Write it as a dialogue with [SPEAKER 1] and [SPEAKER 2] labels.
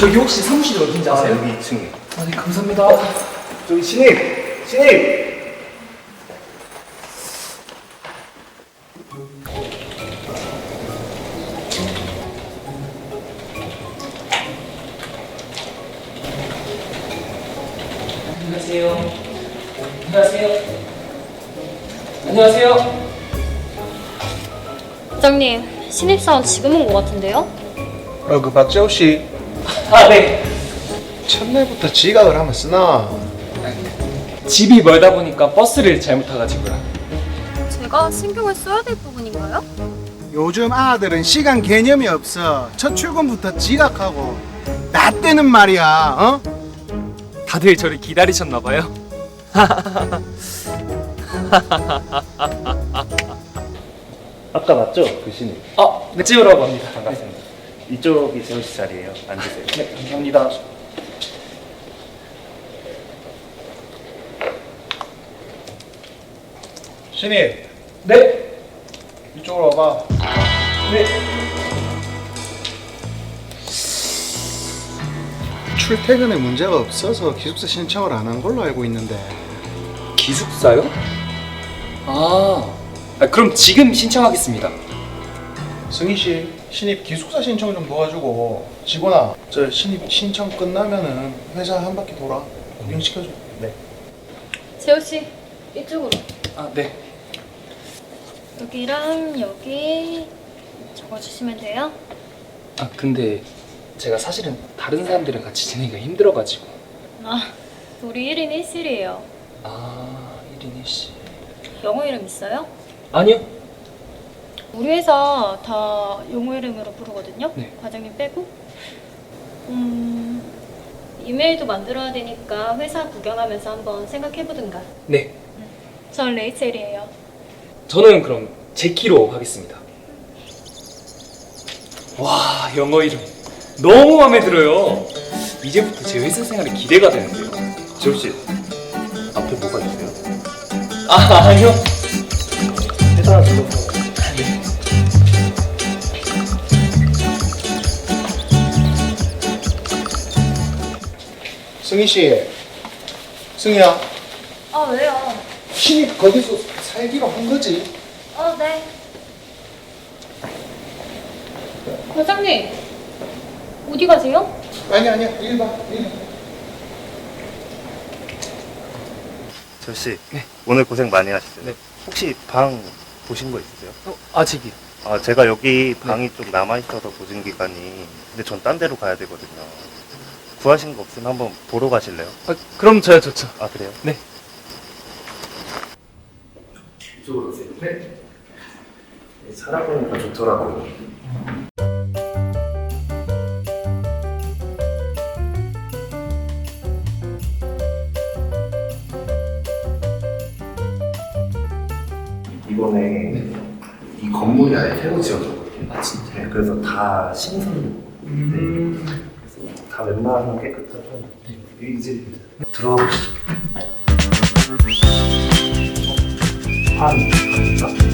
[SPEAKER 1] 저기 혹시 사무실이 어딘지 아세요?
[SPEAKER 2] 여기 2층에.
[SPEAKER 1] 아, 네, 감사합니다.
[SPEAKER 2] 저기 신입!
[SPEAKER 1] 안녕하세요. 안녕하세요. 안녕하세요.
[SPEAKER 3] 과장님, 신입사원 지금 온 것 같은데요?
[SPEAKER 2] 그 박재호 씨
[SPEAKER 1] 아, 네.
[SPEAKER 2] 첫날부터 지각을 하면 쓰나?
[SPEAKER 1] 집이 멀다 보니까 버스를 잘못 타가지고요.
[SPEAKER 3] 제가 신경을 써야 될 부분인가요?
[SPEAKER 4] 요즘 아들은 시간 개념이 없어. 첫 출근부터 지각하고 나 때는 말이야. 어?
[SPEAKER 1] 다들 저를 기다리셨나봐요.
[SPEAKER 2] 아까 맞죠? 그 신입.
[SPEAKER 1] 네, 찍으라고 합니다.
[SPEAKER 2] 반갑습니다. 이쪽이 재호 씨 자리예요. 앉으세요.
[SPEAKER 1] 네, 감사합니다.
[SPEAKER 4] 신입,
[SPEAKER 1] 네.
[SPEAKER 4] 이쪽으로 와봐.
[SPEAKER 1] 네.
[SPEAKER 4] 출퇴근에 문제가 없어서 기숙사 신청을 안 한 걸로 알고 있는데.
[SPEAKER 1] 기숙사요? 그럼 지금 신청하겠습니다.
[SPEAKER 4] 승희 씨, 신입 기숙사 신청 좀 도와주고. 직원아, 저 신입 신청 끝나면은 회사 한 바퀴 돌아. 구경시켜줘. 네.
[SPEAKER 3] 재호씨, 이쪽으로.
[SPEAKER 1] 네.
[SPEAKER 3] 여기랑 여기 적어주시면 돼요.
[SPEAKER 1] 근데 제가 사실은 다른 사람들이랑 같이 지내기가 힘들어가지고.
[SPEAKER 3] 우리 1인 1실이에요.
[SPEAKER 1] 1인 1실.
[SPEAKER 3] 영어 이름 있어요?
[SPEAKER 1] 아니요.
[SPEAKER 3] 우리 회사 다 영어 이름으로 부르거든요.
[SPEAKER 1] 네.
[SPEAKER 3] 과장님 빼고. 이메일도 만들어야 되니까 회사 구경하면서 한번 생각해보든가.
[SPEAKER 1] 네.
[SPEAKER 3] 전 레이첼이에요.
[SPEAKER 1] 저는 그럼 제키로 하겠습니다. 와, 영어 이름 너무 마음에 들어요. 이제부터 제 회사 생활이 기대가 되는데요.
[SPEAKER 2] 재호 씨 앞에 뭐가 있어요?
[SPEAKER 1] 아니요.
[SPEAKER 2] 회사 들어서.
[SPEAKER 4] 승희 씨, 승희야,
[SPEAKER 3] 왜요?
[SPEAKER 4] 신입 거기서 살기로 한 거지?
[SPEAKER 3] 네. 과장님, 어디 가세요?
[SPEAKER 4] 아니야, 일 봐.
[SPEAKER 2] 재호 씨, 오늘 고생 많이 하셨어요.
[SPEAKER 1] 네.
[SPEAKER 2] 혹시 방 보신 거 있으세요?
[SPEAKER 1] 아직이요.
[SPEAKER 2] 제가 여기 방이 좀 남아있어서 보증 기간이. 근데 전 딴 데로 가야 되거든요. 구하신 거 없으면 한번 보러 가실래요?
[SPEAKER 1] 그럼 저야 좋죠.
[SPEAKER 2] 그래요?
[SPEAKER 1] 네.
[SPEAKER 2] 이쪽으로 오세요. 네. 살아보니까 좋더라고요. 이번에 이 건물이 아예 새로 지어졌거든요.
[SPEAKER 1] 진짜.
[SPEAKER 2] 네, 그래서 다 신선. 그래서 다 웬만하면 깨끗하고. 이제 들어가 보시죠. 한.